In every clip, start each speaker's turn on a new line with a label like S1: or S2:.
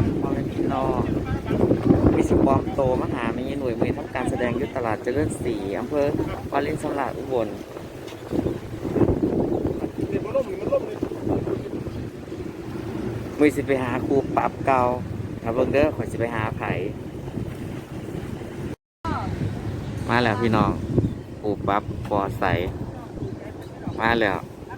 S1: ครับพ่อแม่พี่น้องมีสุปอมโตมหามีหน่วยมือทำการแสดงยุทธตลาดเจริญศรีอำเภอวารินชำราบอุบลมือสิไปหาครูปรับเก่าถ้าเบิ่งเด้อขอยสิไปหาไผมาแล้วพี่น้องครูปรับปอใสมาแล้ว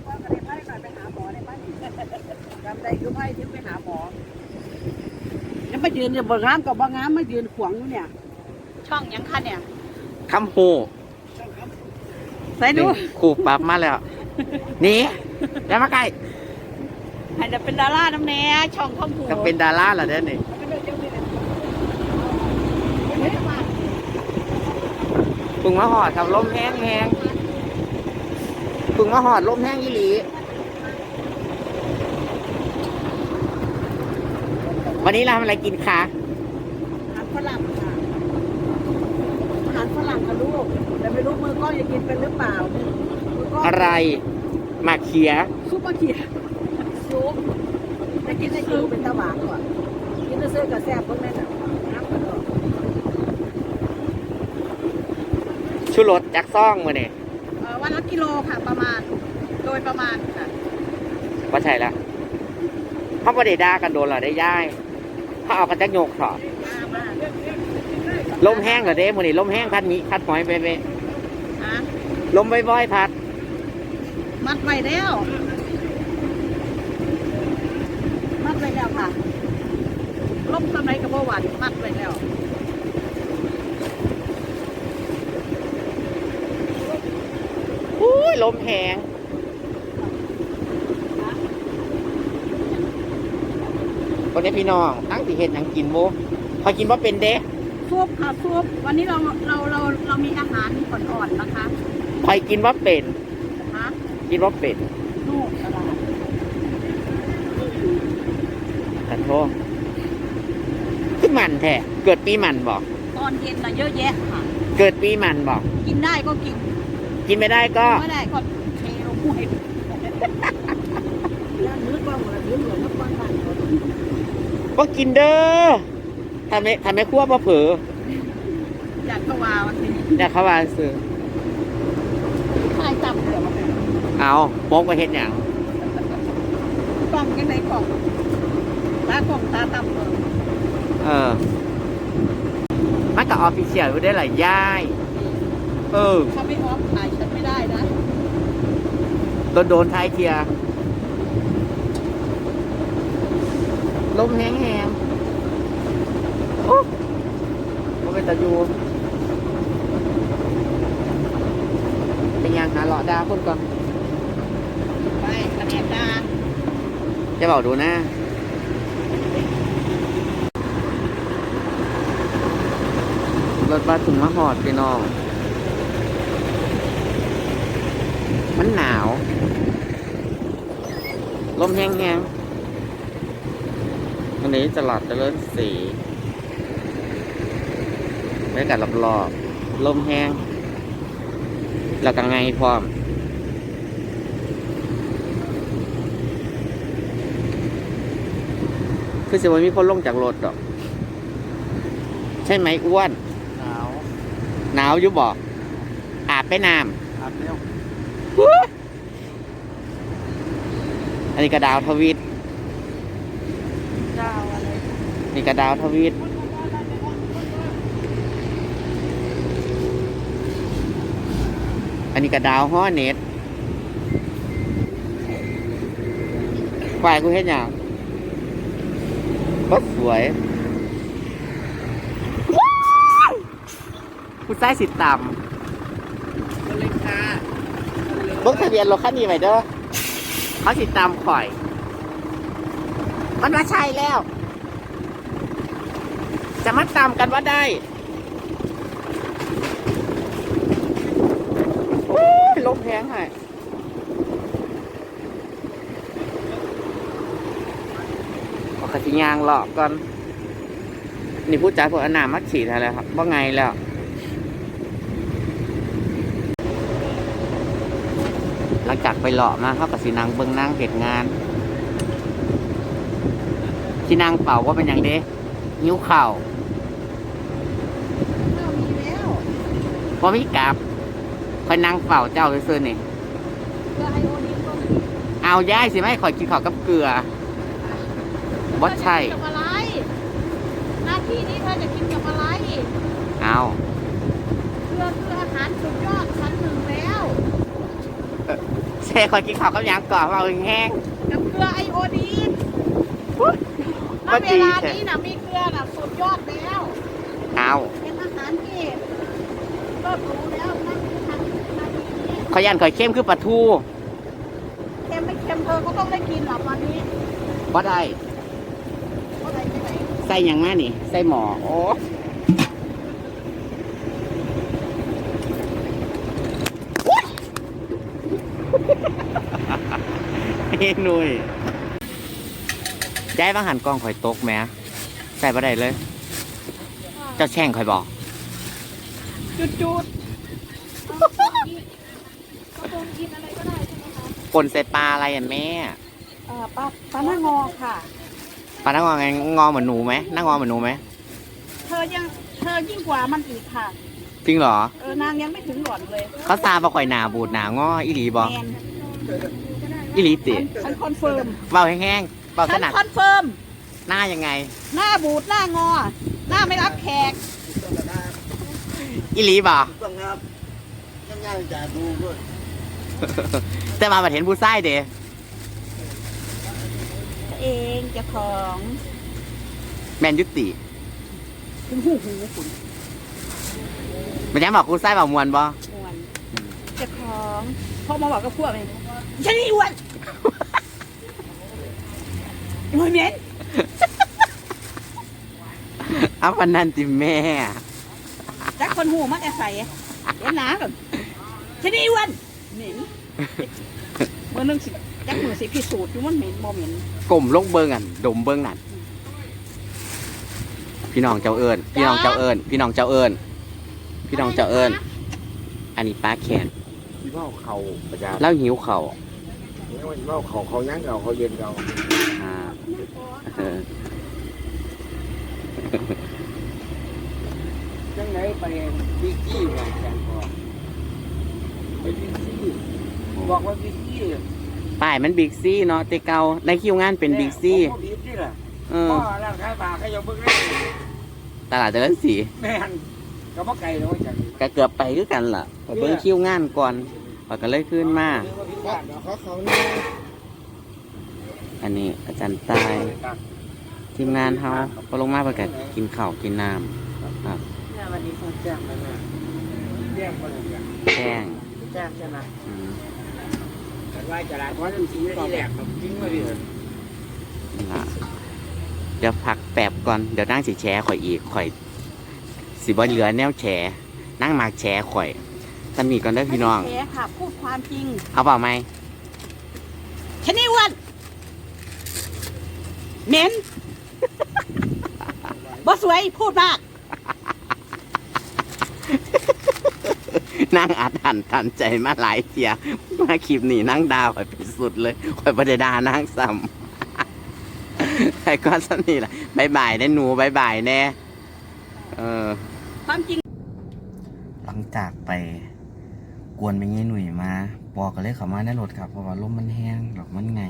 S2: ยังมายืนเนี่ยบ่งามกับบ่งามมายืนขวางอยู่เนี่ยช่องยังคันเนี่ย
S1: คำหู
S2: ใส่ดู
S1: ครูปรับมาแล้วนี่แล้วมาใกล้
S2: ให้จะเป็นดาราน้ำแน่ช่องข้อมผู
S1: ก็เป็นดาราเหรอเด้อนี่พึ่งมาหอดครับลมแห้งแห้งพึ่งมาหอดลมแห้งอีหลีวันนี้เราทำอะไรกินคะ
S2: อาหารฝรั่งค่ะอาหารฝรั่งกับลูกแต่ไม่รู้มือก้อนจะกินเป็นหรือเปล่า
S1: อะไรหมากเขีย
S2: ซุปมะเขียซุปจะกินได้คือเป็นตะหวานก่อนกินจะซื้อกับแซ่บพวกนั้นอ่ะน้ำกระโดด
S1: ชูรสจักซ่องมาเนี่ย
S2: วันละกิโลค่ะประมาณโดยประมาณค่ะ
S1: ว่าใช่ละเขาประเดี๋ยวด่ากันโดนเหรอได้ย่ายเขาเอากันจักโยกถอดลมแห้งเหรอเด้มือนี่ลมแห้งพัดมีพัดหอยไปลมบ่อยๆพัด
S2: มัดไว้แล้วมัดไว้แล้วค่ะลมทำไรกับหวานมัดไว้แล้ว
S1: อุ้ยลมแห้งวันนี้พี่น้องตั้งสิเห็นยังกินโมพอกินว่าเป็นเด้
S2: ซุปค่ะซุปวันนี้เรามีอาหารอ่อนๆนะคะ
S1: พอกินว่าเป็นกินว่าเป็น
S2: นู่นตลาด
S1: ขันโทษขึ้นมันแท้เกิดปีมันบอก
S2: ตอนเย็นน่ะเยอะแยะค่ะ
S1: เกิดปีมันบอก
S2: กินได้ก็กิน
S1: กินไม่ได้ก็
S2: ไม่ได้ก็เทลงห้วยแล้วนึกว่าเหมือนนึกเหมือนน้ำมัน
S1: ก็กินเด้อทำไมคั่วมาเผลอ
S2: อยากเข้าวาวันนี้
S1: อยากเข้าวาซื้อ
S2: ทายจับเดี๋ยวมา
S1: เอาโป๊กไปเห็นอย่าง
S2: กล่องยังไงกล่องตากล่องตาต่ำเลย
S1: มันกับออฟฟิเชียลได้หลายย่าย
S2: ถ้าไม่ออฟถ่ายฉันไม่ได้นะ
S1: โดนท้ายเทียลมแห้งโอ้ก็เป็นตะยูเป็นยังหาหล่อดาคนก่อน
S2: ไปกระเดียดดา
S1: จะบอกดูนะรถบัสถึงมาหอดพี่น้องมันหนาวลมแห้งวันนี้ตลาดเจริญศรีบรรยากาศรอบๆลมแห้งแล้วก็ไงพร้อมคือสิวันมีคนลงจากรถหรอกใช่ไหมอ้วนหนาวอยู่บ่อาบไปน้ำ
S2: อาบแล้ว
S1: อันนี้กระดาวทวิต
S2: ดาวอะไร
S1: นี่กระดาวทวิตอันนี้กระดาวฮ้อเน็ตฝ่ายกูเห็นอย่างก็สวยผู้ชายสิต่ำเบิ้งทะเบียนรถคันนี้ไปเด้อเขาสิตามข่อยมันว่าใช่แล้วจะมาตามกันว่าได้โอ้ยลมแพงให้ขอขจิยางหลอกก่อนนี่พูดจาพวกอนามักฉีดอะไรครับว่าไงแล้วหลังจากไปหล่อมาเขากับสีนางเบิ้งนางเหตุงานที่นั่งเป่าว่าเป็นอย่างเด้หิ้วเข่า
S2: เรามีแล้ว
S1: ว่ามีกลับคอยนั่งเป่าเจ้าซื่อๆนี่
S2: เกลือไอโอดีนก็มี
S1: เอาย่ายสิไม่คอยกินข้าวกับเกลือว่าใช่
S2: เธอจะกินกับอะไรหน้าที่นี้เธอจะกินกับอะไร
S1: เอา
S2: เกลือคืออาหารสุดยอดชั้นหนึ่งแล้ว
S1: เซ่คอยกินข้าวกับหยังก่อนเราแห้ง
S2: กับเกลือไอโอดีน ณ
S1: ว่า
S2: เว
S1: ดี
S2: ลา
S1: แท้
S2: นี้นะมีเกลือน่ะสุดยอดแล้ว
S1: เอา
S2: เป็นอาหารที่ก็รู้แล้วนั่นคือทางนาทีนี้
S1: ขอยันคอยเข้มคือปลาทู
S2: เค็มไม่เค็มเธอก็ต้องได้กินหรอกวันนี้
S1: ว่าได้
S2: ก็ได้ที่ไหน
S1: ใส่หยังมานี่ ใส่หมอโอ้เฮ้ยหนุ่ยย้ายบางหันกล้องข่อยตกแหมใส่บ่ได้เลย เจ้าแช่งข่อยบอก
S2: จุดกระปุกกินอะไรก็ได้ใช่ไหมคะ
S1: ปนใส่ปลาอะไรอ่ะแม่
S2: ปลาหน้างอค่ะ
S1: ปลาหน้างอไงงอเหมือนหนูไหมหน้างอเหมือนหนูไหม
S2: เธอยิ่งกว่ามันอีกค่ะ
S1: จริงเหรอ
S2: นางยังไม่ถึงหล่อนเลย
S1: เขาซาบ่ข่อยหนาบูดหนางออีหลีบอ
S2: แมน
S1: อีหลีติ
S2: ฉันคอนเฟิร์ม
S1: เบาแห้งๆเบา
S2: ฉั
S1: ข
S2: น
S1: นาด
S2: คอนเฟิร์ม
S1: หน้ายังไง
S2: หน้าบูดหน้างอ หน้าไม่รับแขก
S1: อีหลีบ่
S3: ต้องครับง่ายๆจะดูด้วย
S1: แต่มาบัดเห็นผู้ชายเด้
S2: ตัวเองเจ้าของ
S1: แมนยุติ
S2: ถึงหูคุณ
S1: มันยังบอกผู้ชายบอกมวนบ่
S2: มวนเจ้าของพ่อมาบอกกับพวกเลยฉันนี่อ้วนมวยเหม็น
S1: เอาปันนันติแม่
S2: จักคนหูมันแอบใส่เห็นหนาแบบฉันนี่อ้วนเหม็นเมื่อนึงสิจักมือสิพิสูจน์อยู่มันเหม็นบ่เหม็น
S1: กลมลงเบิงอันดมเบิงนั่นพี่น้องเจ้าเอิญพี่น้องเจ้าเอิญพี่น้องเจ้าเอิญพี่น้องเจ้าเอิญอันนี้ป้าแขน
S3: ที่เมาเขาประจาน
S1: แล้วหิวเข่าว
S3: เมาเขายั้งเขาเย็นเขา
S1: อ่าเออ
S3: จังไหนไปบิ๊กกี้ไงแกนพอไปบิ๊กซี่บอกว่าบิ๊กกี้
S1: ป้ายมันบิ๊กซี่เนาะแต่เก่าในคิวงานเป็นบิ๊กซี่
S3: ผมบิ๊กซี่แหละ
S1: เอ
S3: พ่
S1: อ
S3: อร่างกายปากก็ยังเบิ่งได้
S1: ตลาดเจริญศรี
S3: แม่นก็บ่ไกลแล้วจากนี้
S1: ก็เกือบไปคือกันล่ะไปเบิ่งคิวงานก่อนแล้วก็เลยขึ้นมา
S3: เขาเนี่ย
S1: อันนี้อาจารย์ตายทีมงานเขาพอลงมาประกาศกินข้าวกินน้ำครับ
S3: เนี่ยวันนี้เขาแจ้งแล้วนะแจ้งคนละอย่าง
S1: แจ้ง
S3: แจ้งใช่ไหม
S1: อืม
S3: แต่ว่าจะได้เพราะจริงๆที่แหลกมันจริงมาดิ
S1: นั่นล่ะเดี๋ยวพักแป๊บก่อนเดี๋ยวนั่งสิแชร์ข่อยอีกข่อยสิบ่เหลือแนวแชร์นั่งมาแชร์ข่อยสมีก่อนเด้อพี่น้อง
S2: ไม่ได้แฉค่ะ พูดความจริง
S1: เอาเปล่าไหม
S2: ฉันนี่อ้วนเหม็น บ่สวยพูดมาก
S1: นั่งอัดหันทันใจมาหลายเทียมาคลิปนี้นั่งดาวข่อยเป็นสุดเลยข่อยประเดดานั่งซ้ำ ใครก็สนี่แหละบายบายได้หนูบายบายแน่
S2: ความจริง
S1: หลังจากไปกวนไปงี้หนุ่ยมาบอกกันเลยเขามาในรถครับเพราะว่าลมมันแห้งหรอกมันไง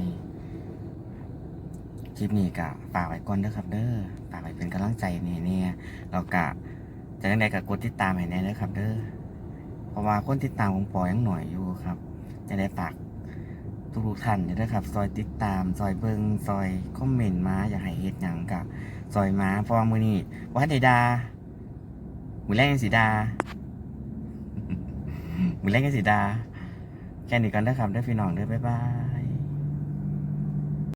S1: คลิปนี้กะฝากไว้ก่อนเด้อครับเด้อฝากไว้เป็นกำลังใจเนี่ยเรากะจะยังไงกะกดติดตามให้แน่เด้อครับเด้อเพราะว่าคนติดตามของปอยังหน่อยอยู่ครับจะได้ฝากทุกท่านเด้อครับซอยติดตามซอยเบิงซอยคอมเมนต์มาอยากให้เฮ็ดหยังกะซอยมาเพราะว่ามื้อนี้บ่ทันได้ด่ามื้อแรกยังสิด่า มือเล่นกันสิดาแค่นี้กันเด้อครับเด้อพี่น้องเด้อบ๊ายบาย